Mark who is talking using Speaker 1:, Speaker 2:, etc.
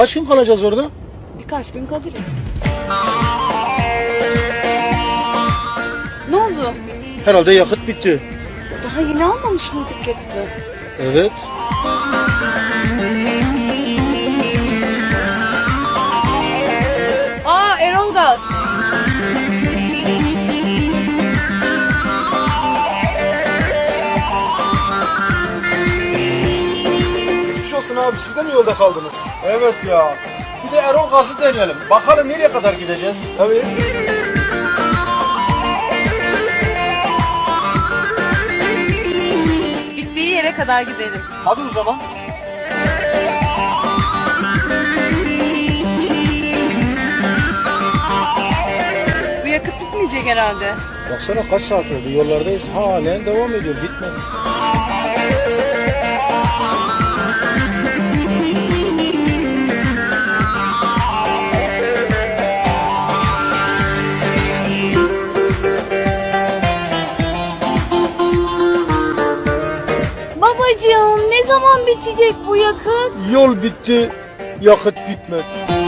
Speaker 1: Kaç gün kalacağız orada?
Speaker 2: Birkaç gün kalırız. Ne oldu?
Speaker 1: Herhalde yakıt bitti.
Speaker 2: Daha yeni almamış mıydık yakıtı?
Speaker 1: Evet.
Speaker 2: Aa, Erol Gaz.
Speaker 1: Geçmiş olsun abi, siz de mi yolda kaldınız? Evet ya. Bir de Erol Gaz'ı deneyelim. Bakalım nereye kadar gideceğiz? Tabii.
Speaker 2: Bittiği yere kadar gidelim.
Speaker 1: Hadi o zaman.
Speaker 2: Bu yakıt bitmeyecek herhalde.
Speaker 1: Baksana kaç saat oldu, yollardayız. Halen devam ediyor, bitmedi.
Speaker 2: Babacığım, ne zaman bitecek bu yakıt?
Speaker 1: Yol bitti, yakıt bitmedi.